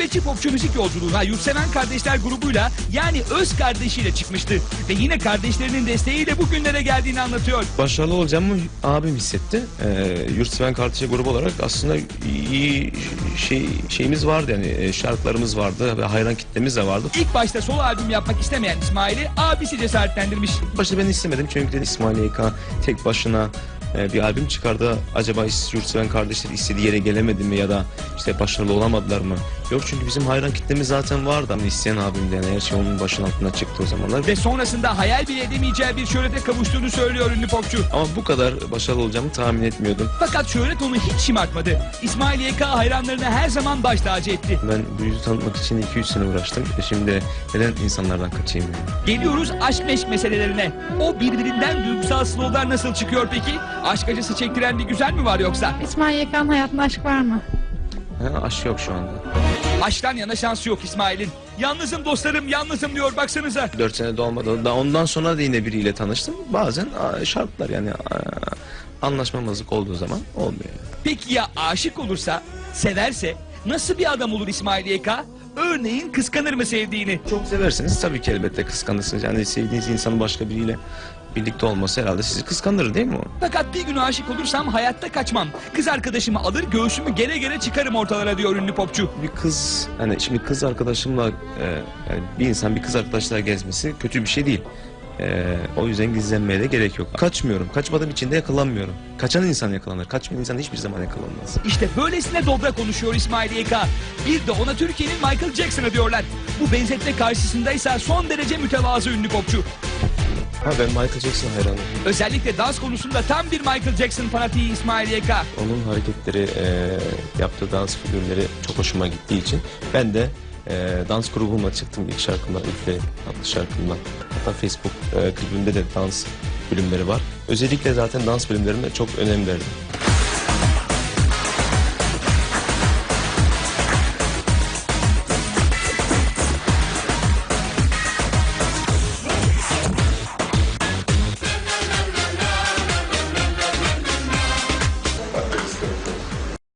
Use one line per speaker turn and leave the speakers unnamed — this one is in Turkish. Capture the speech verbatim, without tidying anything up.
Gurbetçi popçu müzik yolculuğuna Yurtseven Kardeşler grubuyla yani öz kardeşiyle çıkmıştı. Ve yine kardeşlerinin desteğiyle bugünlere geldiğini anlatıyor.
Başarılı olacağımı abim hissetti. Ee, Yurtseven Kardeşler grubu olarak aslında iyi şey şeyimiz vardı, yani şarkılarımız vardı ve hayran kitlemiz de vardı.
İlk başta solo albüm yapmak istemeyen İsmail'i abisi cesaretlendirmiş.
Başta ben istemedim çünkü dedi İsmail Y K tek başına e, bir albüm çıkardı. Acaba Yurtseven Kardeşler istediği yere gelemedi mi ya da işte başarılı olamadılar mı? Yok, çünkü bizim hayran kitlemiz zaten vardı. Yani isteyen abim de, yani her şey onun başının altına çıktı o zamanlar.
Ve sonrasında hayal bile edemeyeceği bir şöhrete kavuştuğunu söylüyor ünlü popçu.
Ama bu kadar başarılı olacağımı tahmin etmiyordum.
Fakat şöhret onu hiç şımartmadı. İsmail Y K hayranlarını her zaman baş tacı etti.
Ben bu yüzü tanıtmak için iki üç sene uğraştım. E şimdi neden insanlardan kaçayım yani?
Geliyoruz aşk meşk meselelerine. O birbirinden duygusal slowlar nasıl çıkıyor peki? Aşk acısı çektiren bir güzel mi var yoksa?
İsmail Y K'nın hayatında aşk var mı?
Ha, aşk yok şu anda.
Aşktan yana şansı yok İsmail'in. Yalnızım dostlarım, yalnızım diyor, baksanıza.
Dört sene de olmadı. Daha ondan sonra da yine biriyle tanıştım. Bazen a, şartlar yani a, anlaşmamazlık olduğu zaman olmuyor.
Peki ya aşık olursa, severse nasıl bir adam olur İsmail Y K? Örneğin kıskanır mı sevdiğini?
Çok seversiniz tabii ki, elbette kıskanırsınız. Yani sevdiğiniz insanın başka biriyle birlikte olması herhalde sizi kıskanır, değil mi o?
Fakat bir gün aşık olursam hayatta kaçmam. Kız arkadaşımı alır göğsümü gere gere çıkarım ortalara diyor ünlü popçu.
Bir kız, hani şimdi kız arkadaşımla e, yani bir insan bir kız arkadaşla gezmesi kötü bir şey değil. E, o yüzden gizlenmeye de gerek yok. Kaçmıyorum. Kaçmadığım için de yakalanmıyorum. Kaçan insan yakalanır. Kaçmayan insan hiçbir zaman yakalanmaz.
İşte böylesine dobra konuşuyor İsmail Y K. Bir de ona Türkiye'nin Michael Jackson'ı diyorlar. Bu benzetme karşısındaysa son derece mütevazı ünlü popçu.
Ha, ben Michael Jackson hayranıyım.
Özellikle dans konusunda tam bir Michael Jackson fanatiği İsmail Y K.
Onun hareketleri, e, yaptığı dans figürleri çok hoşuma gittiği için ben de e, dans grubumla çıktım ilk şarkımla, ilk adlı şarkımla. Hatta Facebook e, klibimde de dans bölümleri var. Özellikle zaten dans bölümlerine çok önem verdim.